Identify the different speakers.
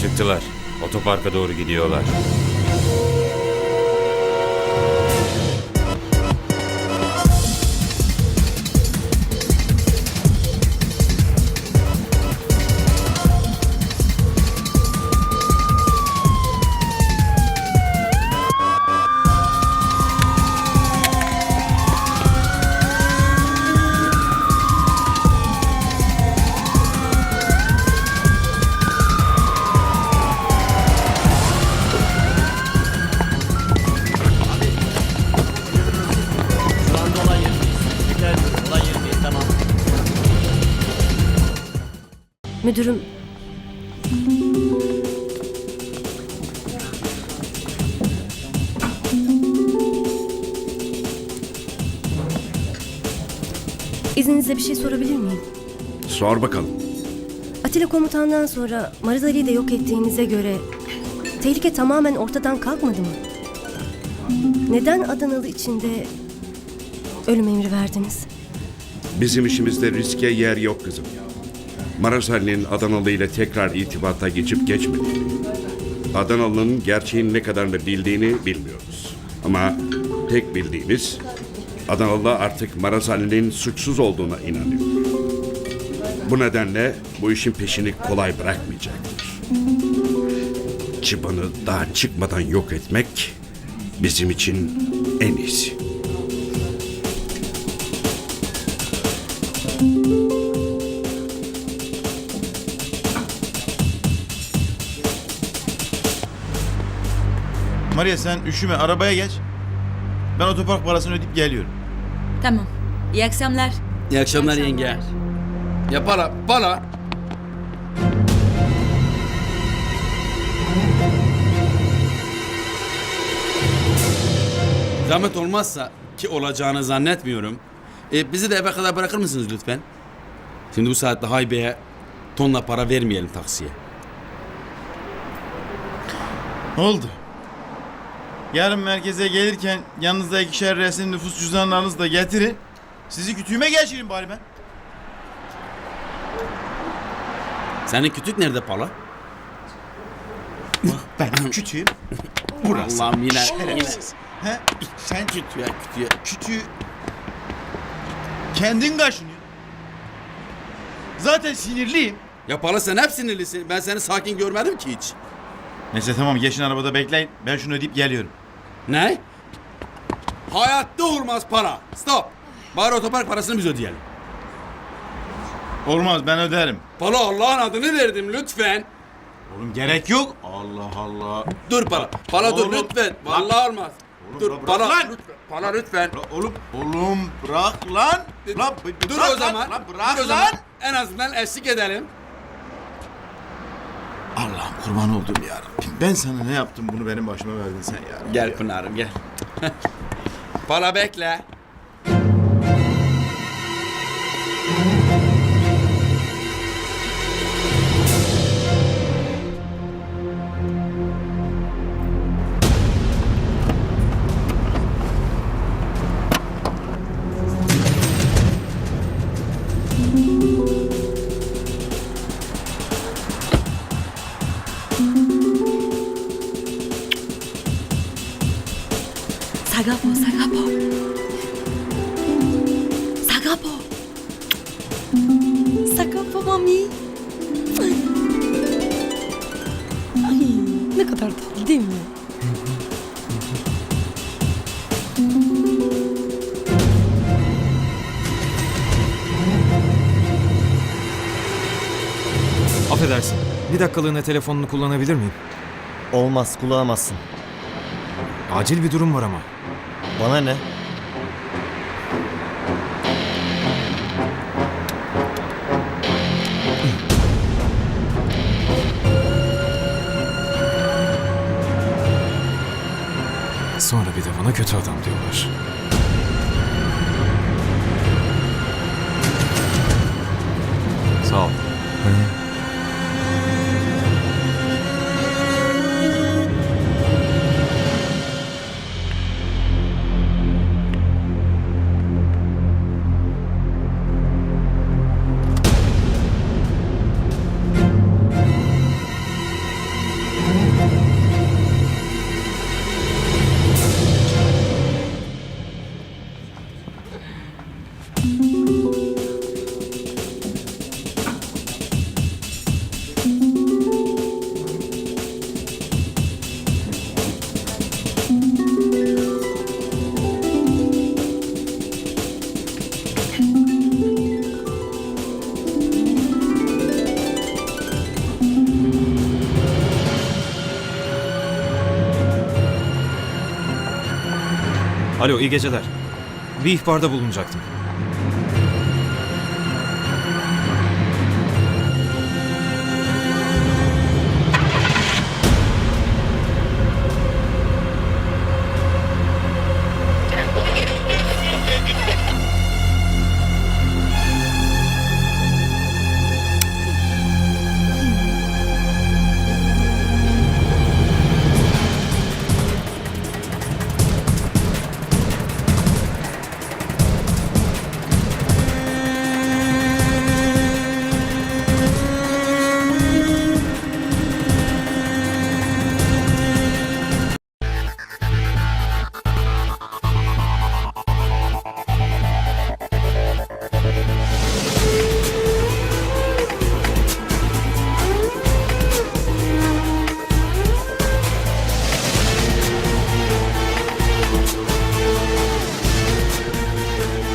Speaker 1: Çıktılar. Otoparka doğru gidiyorlar.
Speaker 2: Şu anda olay yerindeyiz. Tekrar ediyorum, olay yerindeyiz, tamam.
Speaker 3: Müdürüm, izninizle bir şey sorabilir miyim?
Speaker 4: Sor bakalım.
Speaker 3: Atilla komutandan sonra Maraz Ali'yi de yok ettiğinize göre tehlike tamamen ortadan kalkmadı mı? Neden Adanalı içinde ölüm emri verdiniz?
Speaker 4: Bizim işimizde riske yer yok kızım. Maraz Ali'nin Adanalı ile tekrar irtibata geçip geçmediğini, Adanalı'nın gerçeğin ne kadarını bildiğini bilmiyoruz. Ama tek bildiğimiz Adanalı artık Maraz Ali'nin suçsuz olduğuna inanıyor. Bu nedenle bu işin peşini kolay bırakmayacaktır. Çıbanı daha çıkmadan yok etmek bizim için en iyisi.
Speaker 5: Maria sen üşüme, arabaya geç. Ben otopark parasını ödeyip geliyorum.
Speaker 6: Tamam. İyi akşamlar.
Speaker 2: İyi akşamlar yenge.
Speaker 7: Ya para. Zahmet olmazsa ki olacağını zannetmiyorum. Bizi de eve kadar bırakır mısınız lütfen? Şimdi bu saatte Haybe'ye tonla para vermeyelim taksiye.
Speaker 5: Oldu. Yarın merkeze gelirken yanınızda 2'şer resim nüfus cüzdanlarınızı da getirin. Sizi kütüğüme geçireyim bari ben.
Speaker 7: Senin kütük nerede pala?
Speaker 5: Ben kütüğüm. Burası.
Speaker 7: Allah'ım yine.
Speaker 5: Şerefsiz. He? Sen
Speaker 7: Kütüğe.
Speaker 5: kütüğü kendin kaşınıyor. Zaten sinirliyim.
Speaker 7: Ya pala sen hep sinirlisin. Ben seni sakin görmedim ki hiç.
Speaker 5: Neyse tamam geçin arabada bekleyin. Ben şunu ödeyip geliyorum.
Speaker 7: Ne? Hayatta olmaz para. Stop. Bari otopark parasını biz ödeyelim.
Speaker 5: Olmaz ben öderim.
Speaker 7: Pala Allah'ın adını verdim lütfen.
Speaker 5: Oğlum gerek yok. Allah Allah.
Speaker 7: Dur para. Para dur
Speaker 5: Oğlum,
Speaker 7: lütfen.
Speaker 5: bak.
Speaker 7: Vallahi olmaz.
Speaker 5: Oğlum,
Speaker 7: Dur
Speaker 5: bırak
Speaker 7: para
Speaker 5: lan.
Speaker 7: lütfen. Para lütfen.
Speaker 5: Oğlum bırak lan. Lan
Speaker 7: Dur
Speaker 5: bırak
Speaker 7: o zaman.
Speaker 5: Lan bırak
Speaker 7: Dur o zaman.
Speaker 5: lan.
Speaker 7: En azından eşlik edelim.
Speaker 5: Allah'ım kurban oldum ya Rabbim. Ben sana ne yaptım bunu benim başıma verdin sen ya.
Speaker 7: Gel Pınar'ım gel. Para bekle.
Speaker 6: Sagapo. Sagapo mami. Ay, ne kadar tatlı değil mi?
Speaker 8: Affedersin. Bir dakikalığına telefonunu kullanabilir miyim?
Speaker 2: Olmaz, kullanamazsın.
Speaker 8: Acil bir durum var ama.
Speaker 2: Bana ne?
Speaker 8: Sonra bir de bana kötü adam diyorlar. Sağ ol. Alo, iyi geceler. Bir ihbarda bulunacaktım.